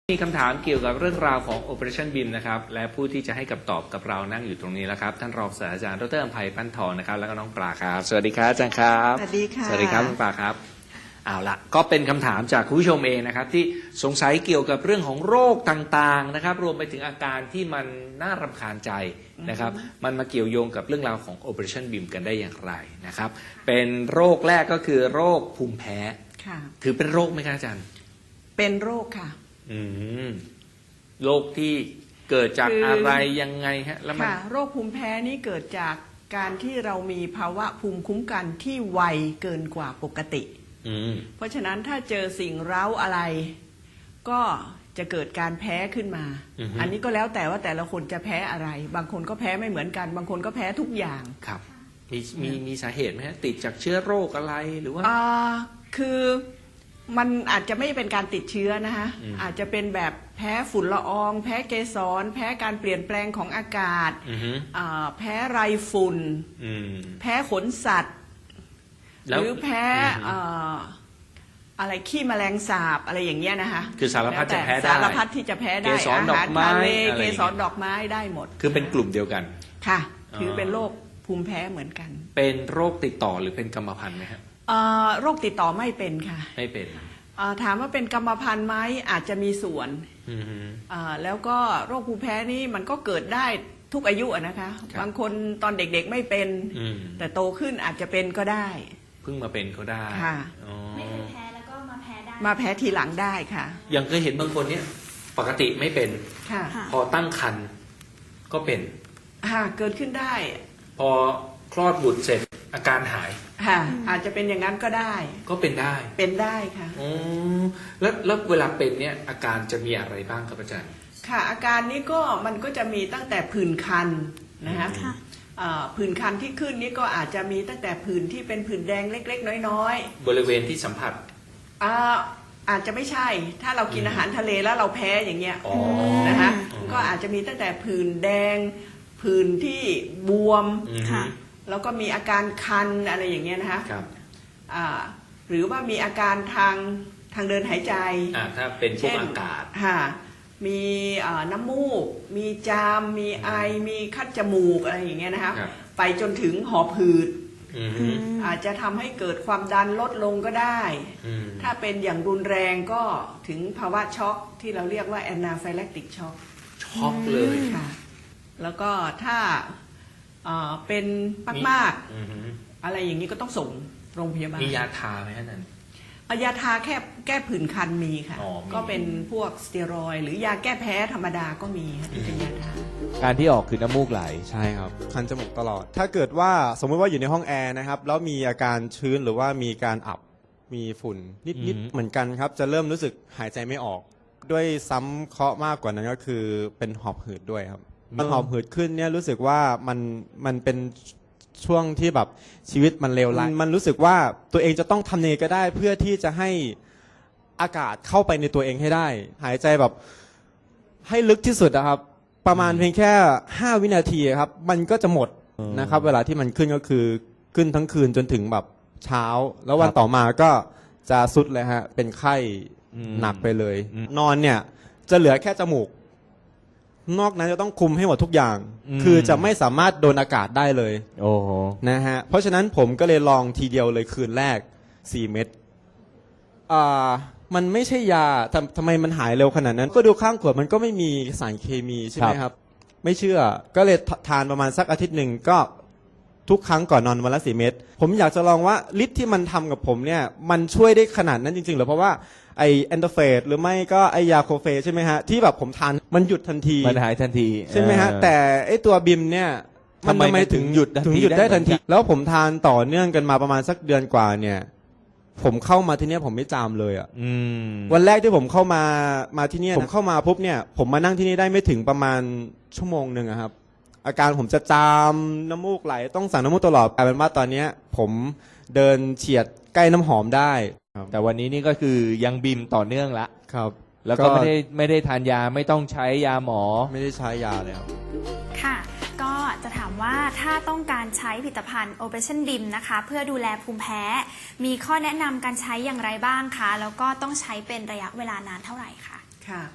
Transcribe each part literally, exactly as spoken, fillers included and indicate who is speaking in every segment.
Speaker 1: มีคำถามเกี่ยวกับเรื่องราวของ Operation บี ไอ เอ็ม นะครับและผู้ที่จะให้คำตอบกับเรานั่งอยู่ตรงนี้แล้วครับท่านรองศาสตราจารย์ดร.อำไพปั้นทองนะครับแล้วก็น้องปลาครับสวัสดีครับอาจารย์ครับ
Speaker 2: สวัสดีค่ะ
Speaker 1: สวัสดีครับน้องปลาครับเอาละก็เป็นคำถามจากคุณผู้ชมเองนะครับที่สงสัยเกี่ยวกับเรื่องของโรคต่างๆนะครับรวมไปถึงอาการที่มันน่ารำคาญใจนะครับมันมาเกี่ยวโยงกับเรื่องราวของ Operation บี ไอ เอ็ม กันได้อย่างไรนะครับเป็นโรคแรกก็คือโรคภูมิแพ้ถือเป็นโรคไหมครับอาจารย์
Speaker 2: เป็นโรคค่ะ
Speaker 1: อืมโรคที่เกิดจากอะไรยังไงฮะแล้วมัน
Speaker 2: โรคภูมิแพ้นี้เกิดจากการที่เรามีภาวะภูมิคุ้มกันที่ไวเกินกว่าปกติเพราะฉะนั้นถ้าเจอสิ่งเร้าอะไรก็จะเกิดการแพ้ขึ้นมา อ, อันนี้ก็แล้วแต่ว่าแต่ละคนจะแพ้อะไร บางคนก็แพ้ไม่เหมือนกันบางคนก็แพ้ทุกอย่าง
Speaker 1: ครับมีมีมีสาเหตุไหมฮะติดจากเชื้อโรคอะไรหรือว่า
Speaker 2: อ่าคือมันอาจจะไม่เป็นการติดเชื้อนะคะอาจจะเป็นแบบแพ้ฝุ่นละอองแพ้เกสรแพ้การเปลี่ยนแปลงของอากาศแพ้ไรฝุ่นแพ้ขนสัตว์หรือแพ้อะไรขี้แมลงสาบอะไรอย่างเงี้ยนะคะ
Speaker 1: คือสารพัดจะแพ้ได้
Speaker 2: สารพัดที่จะแพ้ได้อาหารทะเลเกสรดอกไม้ได้หมด
Speaker 1: คือเป็นกลุ่มเดียวกัน
Speaker 2: ค่ะคือเป็นโรคภูมิแพ้เหมือนกัน
Speaker 1: เป็นโรคติดต่อหรือเป็นกรรมพันธุ์ไหมครับ
Speaker 2: โรคติดต่อไม่เป็นค่ะ
Speaker 1: ไม่เป็น
Speaker 2: ถามว่าเป็นกรรมพันธุ์ไหมอาจจะมีส่วนแล้วก็โรคภูมิแพ้นี่มันก็เกิดได้ทุกอายุนะคะบางคนตอนเด็กๆไม่เป็นแต่โตขึ้นอาจจะเป็นก็ได้
Speaker 1: เพิ่งมาเป็นก็ได้
Speaker 2: ค่ะ
Speaker 3: ไม่เคยแพ้แล้วก็มาแพ้ได้
Speaker 2: มาแพ้ทีหลังได้ค่ะ
Speaker 1: ยังเคยเห็นบางคนเนี่ยปกติไม่เป็นพอตั้งครรภ์ก็เป็น
Speaker 2: เกิดขึ้นได้
Speaker 1: พอคลอดบุตรเสร็จอาการหาย
Speaker 2: ค่ะอาจจะเป็นอย่างนั้นก็ได้
Speaker 1: ก็เป็นได้
Speaker 2: เป็นได้ค่ะ
Speaker 1: อ๋อแล้วแล้วเวลาเป็นเนี่ยอาการจะมีอะไรบ้างครับอาจารย์
Speaker 2: ค่ะอาการนี้ก็มันก็จะมีตั้งแต่ผื่นคันนะคะผื่นคันที่ขึ้นนี่ก็อาจจะมีตั้งแต่ผื่นที่เป็นผื่นแดงเล็กๆน้อย
Speaker 1: ๆบริเวณที่สัมผัส
Speaker 2: อาจจะไม่ใช่ถ้าเรากินอาหารทะเลแล้วเราแพ้อย่างเงี้ยนะคะก็อาจจะมีตั้งแต่ผื่นแดงผื่นที่บวมแล้วก็มีอาการคันอะไรอย่างเงี้ยนะคะหรือว่ามีอาการทางทางเดินหายใจ
Speaker 1: ถ้าเป็นพวกอากาศ
Speaker 2: มีน้ำมูกมีจามมีไอมีคัดจมูกอะไรอย่างเงี้ยนะคะไปจนถึงหอบหืดอาจจะทำให้เกิดความดันลดลงก็ได้ถ้าเป็นอย่างรุนแรงก็ถึงภาวะช็อกที่เราเรียกว่าแอนนาไฟแลคติกช็อก
Speaker 1: ช็อกเลย
Speaker 2: ค่ะแล้วก็ถ้าเป็นมากๆอะไรอย่างนี้ก็ต้องส่งโรงพยาบาล
Speaker 1: มียาทาไหมฮะนั่น
Speaker 2: ยาทาแค่แก้ผื่นคันมีค่ะก็เป็นพวกสเตียรอยด์หรือยาแก้แพ้ธรรมดาก็มีที่เป็นยาทา
Speaker 4: การที่ออกคือน้ำมูกไหล
Speaker 5: ใช่ครับคันจมูกตลอดถ้าเกิดว่าสมมติว่าอยู่ในห้องแอร์นะครับแล้วมีอาการชื้นหรือว่ามีการอับมีฝุ่นนิดๆเหมือนกันครับจะเริ่มรู้สึกหายใจไม่ออกด้วยซ้ำเคราะห์มากกว่านั้นก็คือเป็นหอบหืดด้วยครับมันหอบหืดขึ้นเนี่ยรู้สึกว่ามันมันเป็นช่วงที่แบบชีวิตมันเลวร้ายมันรู้สึกว่าตัวเองจะต้องทำเนก็ได้เพื่อที่จะให้อากาศเข้าไปในตัวเองให้ได้หายใจแบบให้ลึกที่สุดนะครับประมาณเพียงแค่ห้าวินาทีครับมันก็จะหมดนะครับเวลาที่มันขึ้นก็คือขึ้นทั้งคืนจนถึงแบบเช้าแล้ววันต่อมาก็จะสุดเลยฮะเป็นไข้หนักไปเลยนอนเนี่ยจะเหลือแค่จมูกนอกนั้นจะต้องคุมให้หมดทุกอย่างคือจะไม่สามารถโดนอากาศได้เลย
Speaker 4: โอ้โห
Speaker 5: นะฮะเพราะฉะนั้นผมก็เลยลองทีเดียวเลยคืนแรกสี่เม็ดอ่ามันไม่ใช่ยาทำทำไมมันหายเร็วขนาดนั้นก็ดูข้างขวดมันก็ไม่มีสารเคมีใช่ไหมครับไม่เชื่อก็เลยทานประมาณสักอาทิตย์หนึ่งก็ทุกครั้งก่อนนอนวันละสี่เม็ดผมอยากจะลองว่าฤทธิ์ที่มันทำกับผมเนี่ยมันช่วยได้ขนาดนั้นจริงๆหรือเพราะว่าไอแอนโดรฟินหรือไม่ก็ไอยาโคเฟใช่ไหมฮะที่แบบผมทานมันหยุดทันที
Speaker 4: มันหายทันที
Speaker 5: ใช่ไหมฮะแต่ไอตัวบิมเนี่ย
Speaker 4: มันทำไมถึงหยุด
Speaker 5: ถึงหยุดได้ทันทีแล้วผมทานต่อเนื่องกันมาประมาณสักเดือนกว่าเนี่ยผมเข้ามาที่นี่ผมไม่จามเลยอ่ะวันแรกที่ผมเข้ามามาที่นี่ผมเข้ามาปุ๊บเนี่ยผมมานั่งที่นี่ได้ไม่ถึงประมาณชั่วโมงหนึ่งครับอาการผมจะจามน้ำมูกไหลต้องสั่งน้ำมูกตลอดกลายเป็นว่าตอนนี้ผมเดินเฉียดใกล้น้ำหอมได้
Speaker 4: แต่วันนี้นี่ก็คือยังบีมต่อเนื่องละ
Speaker 5: ครับ
Speaker 4: แล้วก็ไม่ได้ไม่ได้ทานยาไม่ต้องใช้ยาหมอ
Speaker 5: ไม่ได้ใช้ยาเลยครับ
Speaker 3: ค่ะก็จะถามว่าถ้าต้องการใช้ผลิตภัณฑ์ Operation บี ไอ เอ็ม นะคะเพื่อดูแลภูมิแพ้มีข้อแนะนำการใช้อย่างไรบ้างคะแล้วก็ต้องใช้เป็นระยะเวลานานเท่าไหร่คะ
Speaker 2: ค่ะ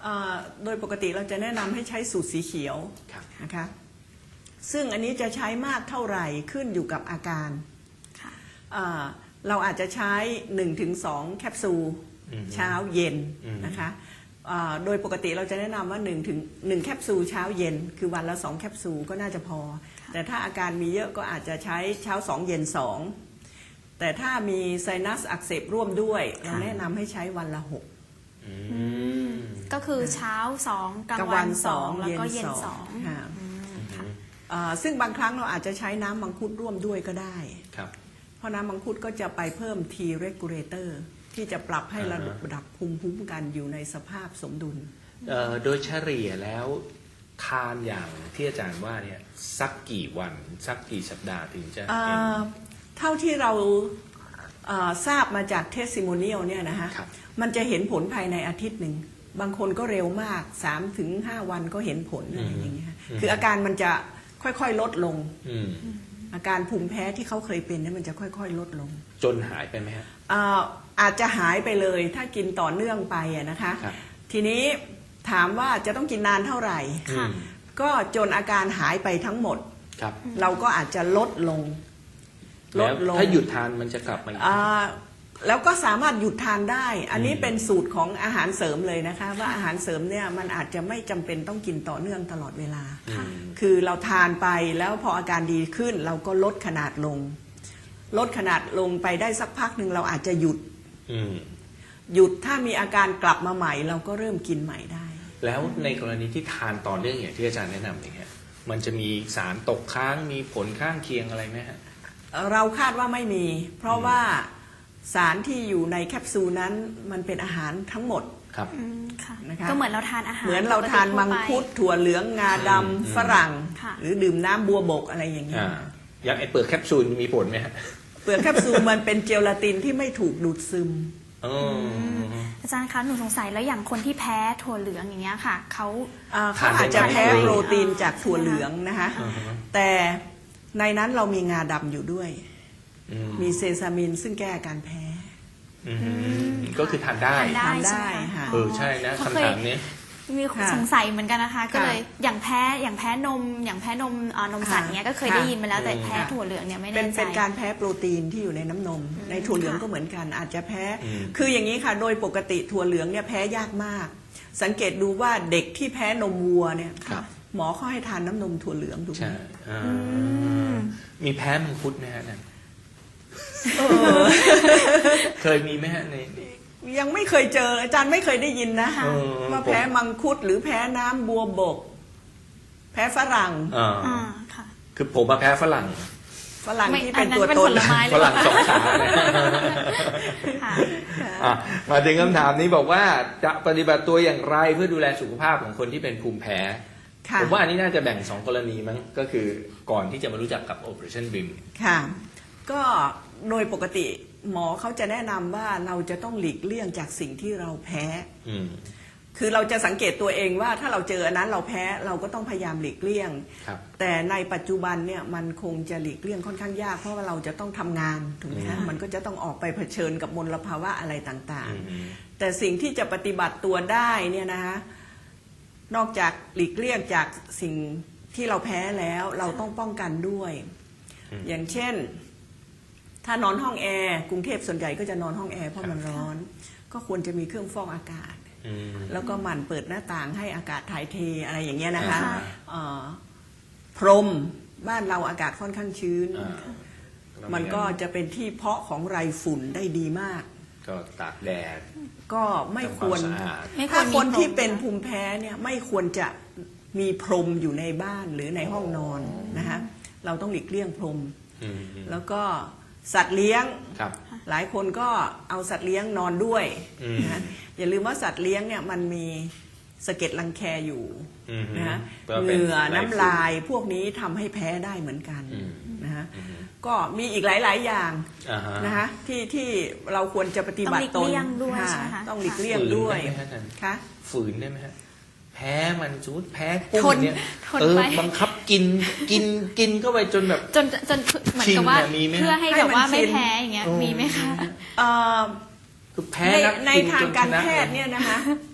Speaker 2: เอ่อโดยปกติเราจะแนะนำให้ใช้สูตรสีเขียว
Speaker 1: ครับ
Speaker 2: นะคะซึ่งอันนี้จะใช้มากเท่าไหร่ขึ้นอยู่กับอาการ
Speaker 3: ค่ะ
Speaker 2: เอ่อเราอาจจะใช้ หนึ่งถึงสอง แคปซูล
Speaker 1: อืม
Speaker 2: เช้าเย็น
Speaker 1: อืม
Speaker 2: นะคะเอ่อโดยปกติเราจะแนะนำว่า1ถึงหนึ่งแคปซูลเช้าเย็น คือวันละสองแคปซูลก็น่าจะพอ แต่ถ้าอาการมีเยอะก็อาจจะใช้เช้าสองเย็นสองแต่ถ้ามีไซนัสอักเสบร่วมด้วยเราแนะนำให้ใช้วันละหก
Speaker 1: อืม
Speaker 3: ก็คือเช้าสองกลาง
Speaker 2: กลาง
Speaker 3: วั
Speaker 2: วัน น
Speaker 3: สอง
Speaker 2: สอง
Speaker 3: แล้วก็
Speaker 2: เย็
Speaker 3: เย็
Speaker 2: น
Speaker 3: น
Speaker 2: ส
Speaker 3: ส
Speaker 2: อ
Speaker 3: อง ง
Speaker 2: ค่ะ
Speaker 3: อืมค่ะ
Speaker 2: เอ่อซึ่งบางครั้งเราอาจจะใช้น้ำมังคุดร่วมด้วยก็ได้
Speaker 1: ครับ
Speaker 2: เพราะน้ำมังคุดก็จะไปเพิ่ม T regulator ที่จะปรับให้ระดับภูมิคุ้มกันอยู่ในสภาพสมดุล
Speaker 1: เอ่อโดยเฉลี่ยแล้วทานอย่างที่อาจารย์ว่าเนี่ยสักกี่วันสักกี่สัปดาห์ถึงจะ
Speaker 2: เอ่
Speaker 1: เห็น
Speaker 2: อเท่าที่เราเอ่อทราบมาจากเทสซิโมเนียลเนี่ยนะฮะ
Speaker 1: ครับ
Speaker 2: มันจะเห็นผลภายในอาทิตย์หนึ่ง บางคนก็เร็วมาก สามถึงห้า วันก็เห็นผลอะไรอย่างเงี้ย
Speaker 1: อืม
Speaker 2: คืออาการมันจะค่อยๆลดลง
Speaker 1: อืม
Speaker 2: อาการภูมิแพ้ที่เขาเคยเป็นเนี่ยมันจะค่อยๆลดลง
Speaker 1: จนหายไปไหมฮะ
Speaker 2: เอ่ออาจจะหายไปเลยถ้ากินต่อเนื่องไปอะนะคะ
Speaker 1: ครับ
Speaker 2: ทีนี้ถามว่าจะต้องกินนานเท่าไหร่
Speaker 3: ค่ะ
Speaker 1: อืม
Speaker 2: ก็จนอาการหายไปทั้งหมด
Speaker 1: ครับ
Speaker 2: เราก็อาจจะลดลง ล
Speaker 1: แล้ว
Speaker 2: ดลง
Speaker 1: ถ้าหยุดทานมันจะกลับมาอีก
Speaker 2: อ่าแล้วก็สามารถหยุดทานได้ อันนี้เป็นสูตรของอาหารเสริมเลยนะคะ ว่าอาหารเสริมเนี่ยมันอาจจะไม่จำเป็นต้องกินต่อเนื่องตลอดเวลา
Speaker 1: อืม
Speaker 2: คือเราทานไปแล้วพออาการดีขึ้น เราก็ลดขนาดลง ลดขนาดลงไปได้สักพักหนึ่งเราอาจจะหยุด
Speaker 1: อืม
Speaker 2: หยุดถ้ามีอาการกลับมาใหม่ เราก็เริ่มกินใหม่ได้
Speaker 1: แล้วในกรณีที่ทานต่อเนื่องอย่างที่อาจารย์แนะนำอย่างเงี้ยมันจะมีสารตกค้างมีผลข้างเคียงอะไรไหมฮะ
Speaker 2: เราคาดว่าไม่มี เพราะว่าสารที่อยู่ในแคปซูลนั้นมันเป็นอาหารทั้งหมด
Speaker 1: ครับ
Speaker 3: อืมค่ะ
Speaker 2: นะคะ
Speaker 3: ก็เหมือนเราทานอาหาร
Speaker 2: เหมือนเราทานมังคุด
Speaker 3: ปกติ
Speaker 2: ถั่วเหลืองงาด
Speaker 1: อืม
Speaker 2: ำฝรั่ง
Speaker 3: ค่ะ
Speaker 2: หรือดื่มน้ำบัวบกอะไรอย่างเงี้ย
Speaker 1: อ่าอย่างไอเปลือกแคปซูลมีผลไหมฮะ
Speaker 2: เปลือกแคปซูลมันเป็นเจลาตินที่ไม่ถูกดูดซึม
Speaker 1: อ๋อ
Speaker 3: อาจารย์คะหนูสงสัยแล้วอย่างคนที่แพ้ถั่วเหลืองอย่างเงี้ยค่ะเขา
Speaker 2: อ่าเขาอาจจะแพ้โปรตีนจากถั่วเหลืองนะคะ
Speaker 1: อ่าฮะ
Speaker 2: แต่ในนั้นเรามีงาดำอยู่ด้วย
Speaker 1: อืม
Speaker 2: มีเซซามินซึ่งแก้อาการแพ้
Speaker 1: อืมก็คือทานได้
Speaker 3: ทานได้
Speaker 2: ทานได้
Speaker 3: ใช่ไหม
Speaker 2: ค่ะ
Speaker 1: เออใช่นะ
Speaker 3: เพราะ
Speaker 1: คำ
Speaker 3: เคย
Speaker 1: ถามนี้
Speaker 3: มี
Speaker 2: ค่ะ
Speaker 3: สงสัยเหมือนกันนะคะ ก็เลย
Speaker 2: ค่ะ
Speaker 3: อย่างแพ้อย่างแพ้นม อย่างแพ้นมเอ่อนมสัตว์เนี้ยก็เคย
Speaker 2: ค่ะ
Speaker 3: ได้ยินมาแล้วแต่
Speaker 1: อืม
Speaker 3: แพ้ถั่วเหลืองเนี่ยไม่
Speaker 2: เป็
Speaker 3: แน่
Speaker 2: น
Speaker 3: ใจ
Speaker 2: เป็นการแพ้โปรตีนที่อยู่ในน้ำนม ในถั่วเหลือง
Speaker 3: ค่ะ
Speaker 2: ก็เหมือนกัน อาจจะแพ้
Speaker 1: อืม
Speaker 2: คืออย่างนี้ค่ะ โดยปกติถั่วเหลืองเนี่ยแพ้ยากมาก สังเกตดูว่าเด็กที่แพ้นมวัวเนี่ย
Speaker 1: ครับ
Speaker 2: หมอเขาให้ทานน้ำนมถั่วเหลืองดูไหม
Speaker 1: ใช่อ่ามีแพ้มังคุดไหมฮะนั่นเคยมีไหมฮะใน
Speaker 2: ยังไม่เคยเจออาจารย์ไม่เคยได้ยินนะ
Speaker 3: ค่ะ
Speaker 1: เออ
Speaker 2: ว่าแพ้มังคุดหรือแพ้น้ำบัวบก แพ้ฝรั่ง
Speaker 1: อ่า
Speaker 3: อ่าค่ะ
Speaker 1: คือผมมาแพ้ฝรั่ง
Speaker 2: ฝรั่ง
Speaker 3: ไม่
Speaker 2: ที่เป็น
Speaker 3: อันนั้น
Speaker 2: ตัว
Speaker 3: เป็น
Speaker 2: ต
Speaker 3: ผ
Speaker 2: น
Speaker 3: ลไม้
Speaker 1: ฝรั่งสองขาเนี่ย
Speaker 3: ค่ะ
Speaker 1: อ่ะมาถึงคำถามนี้บอกว่าจะปฏิบัติตัวอย่างไรเพื่อดูแลสุขภาพของคนที่เป็นภูมิแพ้
Speaker 2: ค่ะ
Speaker 1: ผมว่าอันนี้น่าจะแบ่งสองกรณีมั้งก็คือก่อนที่จะมารู้จักกับ Operationบี เอ็ม
Speaker 2: ค่ะ ก็โดยปกติหมอเขาจะแนะนำว่าเราจะต้องหลีกเลี่ยงจากสิ่งที่เราแพ้
Speaker 1: อืม
Speaker 2: คือเราจะสังเกตตัวเองว่าถ้าเราเจออันนั้นเราแพ้เราก็ต้องพยายามหลีกเลี่ยง
Speaker 1: ครับ
Speaker 2: แต่ในปัจจุบันเนี่ยมันคงจะหลีกเลี่ยงค่อนข้างยากเพราะว่าเราจะต้องทำงานถูกไหมฮะ
Speaker 3: อืม
Speaker 2: มันก็จะต้องออกไปเผชิญกับมลภาวะอะไรต่าง
Speaker 1: อืม
Speaker 2: ๆ แต่สิ่งที่จะปฏิบัติตัวได้เนี่ยนะคะนอกจากหลีกเลี่ยงจากสิ่งที่เราแพ้แล้วเราต้องป้องกันด้วย
Speaker 1: อืม
Speaker 2: อย่างเช่น ถ้านอนห้องแอร์กรุงเทพส่วนใหญ่ก็จะนอนห้องแอร์เพราะมันร้อน ก็ควรจะมีเครื่องฟอกอากาศ
Speaker 1: อืม
Speaker 2: แล้วก็หมั่นเปิดหน้าต่างให้อากาศถ่ายเทอะไรอย่างเงี้ยนะคะ
Speaker 1: อ่า
Speaker 2: เอ่อพรมบ้านเราอากาศค่อนข้างชื้น
Speaker 1: อ่า
Speaker 2: มันก็จะเป็นที่เพาะของไรฝุ่นได้ดีมาก
Speaker 1: ก็ตากแดด
Speaker 2: ก็ไม่ควร
Speaker 1: ทำความสะอาด
Speaker 3: ไม่ควร
Speaker 2: ถ้าคน
Speaker 3: มีพรม
Speaker 2: ที่เป็น
Speaker 3: นะ
Speaker 2: ภูมิแพ้เนี่ยไม่ควรจะมีพรมอยู่ในบ้านหรือในห้องนอนนะคะเราต้องหลีกเลี่ยงพรม
Speaker 1: อืม
Speaker 2: แล้วก็สัตว์เลี้ยง
Speaker 1: ครับ
Speaker 2: หลายคนก็เอาสัตว์เลี้ยงนอนด้วย
Speaker 1: อืม
Speaker 2: นะอย่าลืมว่าสัตว์เลี้ยงเนี่ยมันมีสะเก็ดรังแคอยู่
Speaker 1: อืม
Speaker 2: นะฮะ
Speaker 1: ก็
Speaker 2: เห
Speaker 1: เป็น
Speaker 2: งื่อ
Speaker 1: ไรฝุ่น
Speaker 2: น้ำลายพวกนี้ทำให้แพ้ได้เหมือนกัน
Speaker 1: อืม
Speaker 2: นะฮะ
Speaker 1: อืม
Speaker 2: ก็มีอีกหลาย ๆ อย่าง
Speaker 1: อ่าฮะ
Speaker 2: นะฮะที่ที่เราควรจะปฏิบัติต
Speaker 3: ต้องหลี
Speaker 2: น
Speaker 3: กเลี่ยงด้วย
Speaker 2: ค่ะ
Speaker 3: ใช่ไหมคะ
Speaker 2: ต้องหลีกเลี่ยงด้วย
Speaker 1: ฝืนได้ไหมฮะอาจารย์
Speaker 2: ค่ะ
Speaker 1: ฝืนได้ไหมฮะแพ้มันสมมติแพ้กุ้ง
Speaker 3: ทน
Speaker 1: เนี่ย
Speaker 3: ทน
Speaker 1: เออ
Speaker 3: ไป
Speaker 1: บังคับกินกินกินเข้าไปจนแบบ
Speaker 3: จนจนเหมือนกับว่า
Speaker 1: ชินน่ะมีไหม
Speaker 3: เพื่อให้
Speaker 2: ให้
Speaker 3: แบบว่า
Speaker 2: มัน
Speaker 3: ไม่
Speaker 2: ชิน
Speaker 3: แพ้อย่างเงี้ย
Speaker 1: อืม
Speaker 3: มีไหมคะ
Speaker 2: เอ่อ
Speaker 1: คือแพ้
Speaker 2: ใน
Speaker 1: นัก
Speaker 2: ใน
Speaker 1: กิน
Speaker 2: ทา
Speaker 1: จ
Speaker 2: ง
Speaker 1: น
Speaker 2: การ
Speaker 1: ชนะ
Speaker 2: แพทย์เนี่ยนะคะ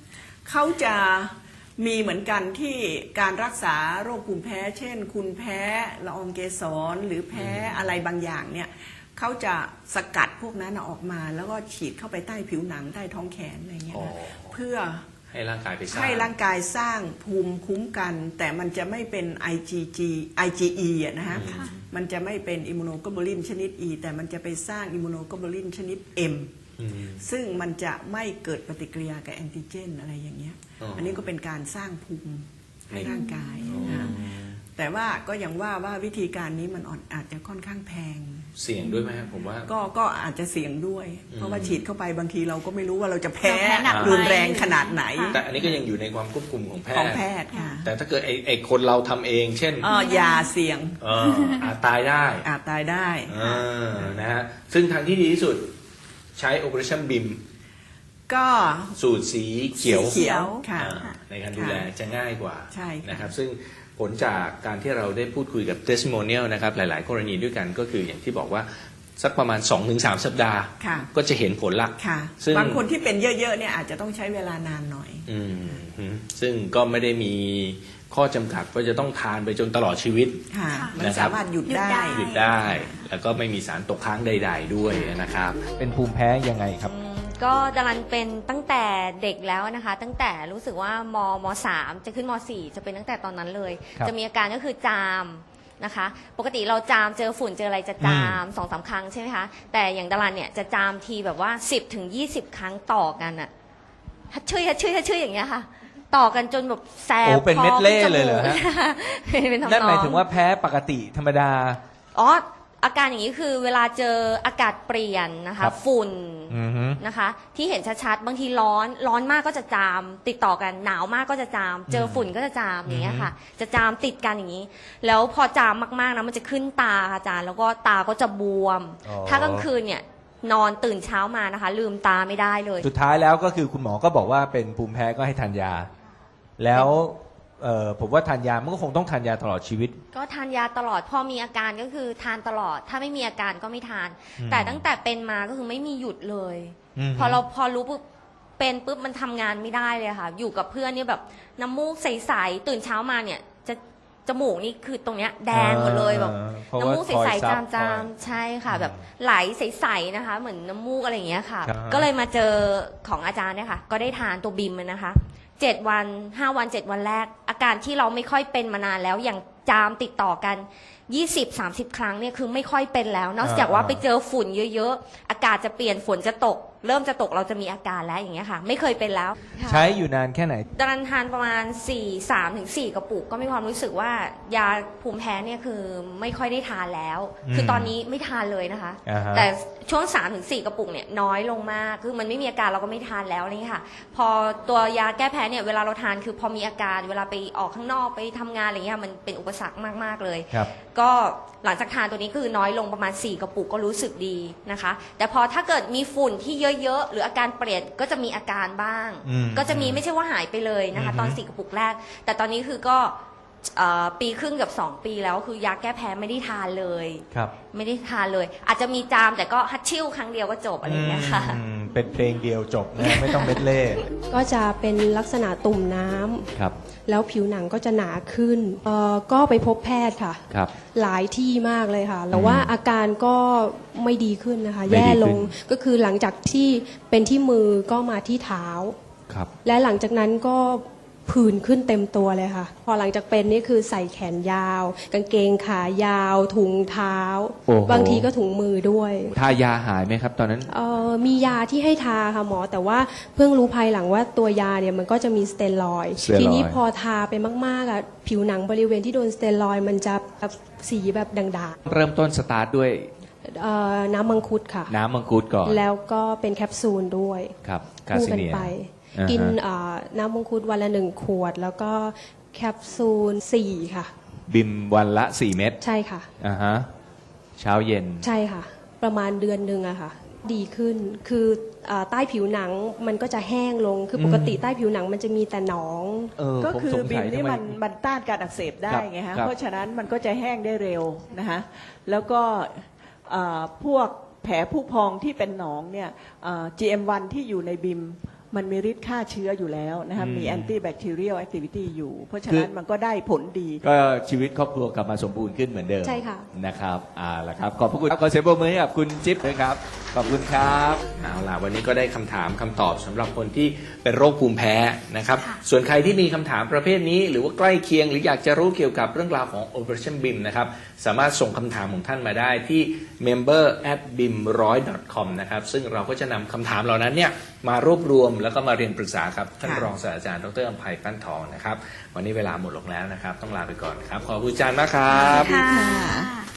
Speaker 2: เขาจะมีเหมือนกันที่การรักษาโรคภูมิแพ้ เช่น คุณแพ้ละอองเกสรหรือแพ้อะไรบางอย่างเนี่ยเขาจะสกัดพวกนั้นออกมาแล้วก็ฉีดเข้าไปใต้ผิวหนังใต้ท้องแขนอะไรเงี้ย
Speaker 1: อ๋อ
Speaker 2: นะเพื่อ
Speaker 1: ให้ร่างกายไปสร้าง
Speaker 2: ให้ร่างกายสร้างภูมิคุ้มกัน แต่มันจะไม่เป็น ไอ จี จี ไอ จี อี อะนะฮะ มันจะไม่เป็นอิมมูโนโกลบูลินชนิด E แต่มันจะไปสร้างอิมมูโนโกลบูลินชนิด M
Speaker 1: อืม
Speaker 2: ซึ่งมันจะไม่เกิดปฏิกิริยากับแอนติเจนอะไรอย่างเงี้ย
Speaker 1: อ๋ออั
Speaker 2: อันนี้ก็เป็นการสร้างภูมิให้
Speaker 1: ใน
Speaker 2: ร่างกายนะแต่ว่าก็ยังว่าว่าวิธีการนี้มันอ่อนอาจจะค่อนข้างแพง
Speaker 1: เสี่ยงด้วยไหมครับผมว่า
Speaker 2: ก็ก็อาจจะเสี่ยงด้วย เพราะว่าฉีดเข้าไปบางทีเราก็ไม่รู้ว่าเราจะแพ้
Speaker 3: เราแพ้หนักไหม
Speaker 2: รุนแรงขนาดไหน
Speaker 1: แต่อันนี้ก็ยังอยู่ในความควบคุมของแพ
Speaker 2: ของ
Speaker 1: ทย์
Speaker 2: แพทย์ค่ะ
Speaker 1: แต่ถ้าเกิดไอ้ไอ้คนเราทำเอง เช่น
Speaker 2: เออยาเสี่ยง
Speaker 1: เอออาจตายได้
Speaker 2: อาจตายได้
Speaker 1: เออนะฮะซึ่งทางที่ดีที่สุดใช้ Operation บี เอ็ม
Speaker 2: ก็
Speaker 1: สูตรสีเขียว
Speaker 2: สีเขียวค่ะ
Speaker 1: อ่าในการดูแลจะง่ายกว่า
Speaker 2: ใช่ค่ะ
Speaker 1: นะครับซึ่งผลจากการที่เราได้พูดคุยกับ testimonial นะครับหลาย ๆ กรณีด้วยกันก็คืออย่างที่บอกว่าสักประมาณ สองถึงสาม สัปดาห์
Speaker 2: ค่ะ
Speaker 1: ก็จะเห็นผลละ
Speaker 2: ค่ะ
Speaker 1: ซึ่ง
Speaker 2: บางคนที่เป็นเยอะๆเนี่ยอาจจะต้องใช้เวลานานหน่อย
Speaker 1: อืมฮึซึ่งก็ไม่ได้มีข้อจำกัดว่าจะต้องทานไปจนตลอดชีวิต
Speaker 2: ค่ะ
Speaker 3: ค่ะ
Speaker 2: มัน
Speaker 1: นะครับ
Speaker 2: สามารถหยุดได้
Speaker 1: หยุดได้ แล้วก็ไม่มีสารตกค้างใด ๆ ด้วยนะครับ
Speaker 4: เป็นภูมิแพ้ยังไงครับ
Speaker 6: อืมก็ดารันเป็นตั้งแต่เด็กแล้วนะคะ ตั้งแต่รู้สึกว่ามมสามจะขึ้นมสี่จะเป็นตั้งแต่ตอนนั้นเลย
Speaker 4: ครับ
Speaker 6: จะมีอาการก็คือจามนะคะ ปกติเราจามเจอฝุ่นเจออะไรจะจามสองสามครั้งใช่ไหมคะแต่อย่างดารันเนี่ยจะจามทีแบบว่าสิบถึงยี่สิบครั้งต่อกันอะฮัดชื่อฮัดชื่อฮัดชื่ออย่างเงี้ยค่ะ ต่อกันจนแบบแสบ
Speaker 4: โอ้เป็น
Speaker 6: คอ
Speaker 4: เม็ดเล่
Speaker 6: ขึ้นจ
Speaker 4: เลยเหรอฮะ
Speaker 6: มูก เป็นทำนอง
Speaker 4: นั่นหมายถึงว่าแพ้ปกติธรรมดา
Speaker 6: อ๋ออาการอย่างนี้คือเวลาเจออากาศเปลี่ยนนะคะ
Speaker 4: ครับ
Speaker 6: ฝุ่น
Speaker 4: อือฮึ
Speaker 6: นะคะที่เห็นชัดๆบางทีร้อนร้อนมากก็จะจาม ติดต่อกันหนาวมากก็จะจาม เจอฝุ่นก็จะจามอย่างเงี้ยค่ะ จะจามติดกันอย่างนี้ แล้วพอจามมากๆนะมันจะขึ้นตาค่ะอาจารย์แล้วก็ตาก็จะบวม
Speaker 4: อ๋อ
Speaker 6: ถ้ากลางคืนเนี่ยนอนตื่นเช้ามานะคะ ลืมตาไม่ได้เลย
Speaker 4: สุดท้ายแล้วก็คือคุณหมอก็บอกว่าเป็นภูมิแพ้ก็ให้ทานยา แล้วเอ่อผมว่าทานยามันก็คงต้องทานยาตลอดชีวิต
Speaker 6: ก็ทานยาตลอดพอมีอาการก็คือทานตลอด ถ้าไม่มีอาการก็ไม่ทาน
Speaker 4: อืม
Speaker 6: แต่ตั้งแต่เป็นมาก็คือไม่มีหยุดเลย
Speaker 4: อืม
Speaker 6: พอเราพอรู้ปุ๊บเป็นปุ๊บมันทำงานไม่ได้เลยค่ะ อยู่กับเพื่อนเนี่ยแบบน้ำมูกใสๆตื่นเช้ามาเนี่ยจะจมูกนี่คือตรงเนี้ยแดงหมดเลยแบบ
Speaker 4: เพราะ
Speaker 6: น้ำ
Speaker 4: ว่า
Speaker 6: มูกใ
Speaker 4: คอย
Speaker 6: ส
Speaker 4: ซั
Speaker 6: ๆ
Speaker 4: บ
Speaker 6: จามจาม
Speaker 4: คอย
Speaker 6: ใช่ค่ะ แบบไหลใสๆนะคะ เหมือนน้ำมูกอะไรอย่างเงี้ยค่ะ
Speaker 4: ครับ
Speaker 6: ก็เลยมาเจอของอาจารย์เนี่ยค่ะ ก็ได้ทานตัวบิมมันนะคะเจ็ดวันห้าวันเจ็ดวันแรก อาการที่เราไม่ค่อยเป็นมานานแล้วอย่างจามติดต่อกันยี่สิบ สามสิบ ครั้งเนี่ยคือไม่ค่อยเป็นแล้ว นอกจากว่าไปเจอฝุ่นเยอะๆอากาศจะเปลี่ยนฝนจะตก เริ่มจะตกเราจะมีอาการแล้วอย่างเงี้ยค่ะ ไม่เคยเป็นแล้วค่ะ
Speaker 4: ใช้อยู่นานแค่ไหน
Speaker 6: ตอนนั้นทานประมาณสี่ สามถึงสี่กระปุกก็มีความรู้สึกว่ายาภูมิแพ้เนี่ยคือไม่ค่อยได้ทานแล้ว
Speaker 4: อืม
Speaker 6: คือตอนนี้ไม่ทานเลยนะคะ
Speaker 4: อ่าฮะ
Speaker 6: แต่ช่วง สามถึงสี่ กระปุกเนี่ยน้อยลงมากคือมันไม่มีอาการเราก็ไม่ทานแล้วอะไรอย่างเงี้ยค่ะ พอตัวยาแก้แพ้เนี่ยเวลาเราทานคือพอมีอาการเวลาไปออกข้างนอกไปทำงานอะไรเงี้ยมันเป็นอุปสรรคมากๆเลย
Speaker 4: ครับ
Speaker 6: ก็หลังจากทานตัวนี้คือน้อยลงประมาณสี่กระปุกก็รู้สึกดีนะคะ แต่พอถ้าเกิดมีฝุ่นที่เยอะๆหรืออาการเปลี่ยนก็จะมีอาการบ้าง
Speaker 4: อืม
Speaker 6: ก็จะมีไม่ใช่ว่าหายไปเลยนะคะ
Speaker 4: อือฮึ
Speaker 6: ตอนสี่กระปุกแรก แต่ตอนนี้คือก็เอ่อปีครึ่งกับสองปีแล้วคือยาแก้แพ้ไม่ได้ทานเลย
Speaker 4: ครับ
Speaker 6: ไม่ได้ทานเลย อาจจะมีจามแต่ก็ฮัตชิ่วครั้งเดียวก็จบอะไรอย่างเงี้ยค่ะ
Speaker 4: อืมเป็นเพลงเดียวจบนะ ไม่ต้องเม็ดเล่
Speaker 7: ก็จะเป็นลักษณะตุ่มน้ำ
Speaker 4: ครับ
Speaker 7: แล้วผิวหนังก็จะหนาขึ้นเอ่อก็ไปพบแพทย์ค่ะ
Speaker 4: ครับ
Speaker 7: หลายที่มากเลยค่ะ แต่ว่าอาการก็ไม่ดีขึ้นนะคะ
Speaker 4: ไม่ดีขึ้น
Speaker 7: แย่ลงก็คือหลังจากที่เป็นที่มือก็มาที่เท้า
Speaker 4: ครับ
Speaker 7: และหลังจากนั้นก็ผื่นขึ้นเต็มตัวเลยค่ะ พอหลังจากเป็นนี่คือใส่แขนยาว กางเกงขายาว ถุงเท้า
Speaker 4: โอ้โห
Speaker 7: บางทีก็ถุงมือด้วย
Speaker 4: ทายาหายไหมครับ ตอนนั้น
Speaker 7: เอ่อมียาที่ให้ทาค่ะหมอ แต่ว่าเพิ่งรู้ภายหลังว่าตัวยาเนี่ยมันก็จะมีสเตียรอยด์
Speaker 4: สเตียรอยด์
Speaker 7: ทีนี้พอทาไปมากๆอ่ะผิวหนังบริเวณที่โดนสเตียรอยด์มันจะแบบสีแบบด่าง
Speaker 4: เริ่มต้นสตาร์ทด้วย
Speaker 7: ๆเอ่อน้ำมังคุดค่ะ
Speaker 4: น้ำมังคุดก่อน
Speaker 7: แล้วก็เป็นแคปซูลด้วย
Speaker 4: ครับกา
Speaker 7: คู่
Speaker 4: ซิ
Speaker 7: กัน
Speaker 4: เนีย
Speaker 7: ไป
Speaker 4: อ่าฮะ
Speaker 7: กินเอ่อน้ำมังคุดวันละหนึ่งขวด แล้วก็แคปซูลสี่ค่ะ
Speaker 4: บิมวันละสี่เม็ด
Speaker 7: ใช่ค่ะ
Speaker 4: อ่าฮะเช้าเย็น
Speaker 7: ใช่ค่ะ ประมาณเดือนหนึ่งอะค่ะ ดีขึ้นคือเอ่อใต้ผิวหนังมันก็จะแห้งลงคือปกติใต้ผิวหนังมันจะมีแต่หนอง
Speaker 4: เออ
Speaker 2: ก็
Speaker 4: ผม
Speaker 2: คือ
Speaker 4: สง
Speaker 2: บิ
Speaker 4: สั
Speaker 2: ม
Speaker 4: ย
Speaker 2: นี่
Speaker 4: ทำไม
Speaker 2: มันมันต้านการอักเสบได้
Speaker 4: ครับ
Speaker 2: ไงฮะ
Speaker 4: ครับ
Speaker 2: เพราะฉะนั้นมันก็จะแห้งได้เร็วนะคะแล้วก็เอ่อพวกแผลผู้พองที่เป็นหนองเนี่ยเอ่อ จี เอ็ม วัน ที่อยู่ในบิมมันมีฤทธิ์ฆ่าเชื้ออยู่แล้วนะคะ
Speaker 8: อืม
Speaker 2: มีแอนตี้แบคทีเรียลแอคทิวิตี้อยู่ เพราะฉะ
Speaker 8: คือ
Speaker 2: นั้นมันก็ได้ผลดี
Speaker 8: ก็ชีวิตครอบครัวกลับมาสมบูรณ์ขึ้นเหมือนเดิม
Speaker 7: ใช่ค่ะ
Speaker 8: นะครับอ่าละครับขอบพระคุณครับขอเสียงปรบมือให้กับคุณจิ๊บด้วยครับขอบคุณครับ
Speaker 1: เอาล่ะวันนี้ก็ได้คำถามคำตอบสำหรับคนที่เป็นโรคภูมิแพ้นะครับ
Speaker 3: ค่ะ
Speaker 1: ส่วนใครที่มีคำถามประเภทนี้ หรือว่าใกล้เคียง หรืออยากจะรู้เกี่ยวกับเรื่องราวของ Operation บี เอ เอ็ม นะครับสามารถส่งคำถามของท่านมาได้ที่ member at bim หนึ่งร้อย dot com นะครับซึ่งเราก็จะนำคำถามเหล่านั้นเนี่ยมารวบรวมแล้วก็มาเรียนปรึกษาครับท่าน
Speaker 2: ค่ะ
Speaker 1: รองศาสตราจารย์ดรอภัยปั้นทองนะครับวันนี้เวลาหมดลงแล้วนะครับต้องลาไปก่อนครับขอบคุณอาจารย์มากครับ
Speaker 3: ค่ะ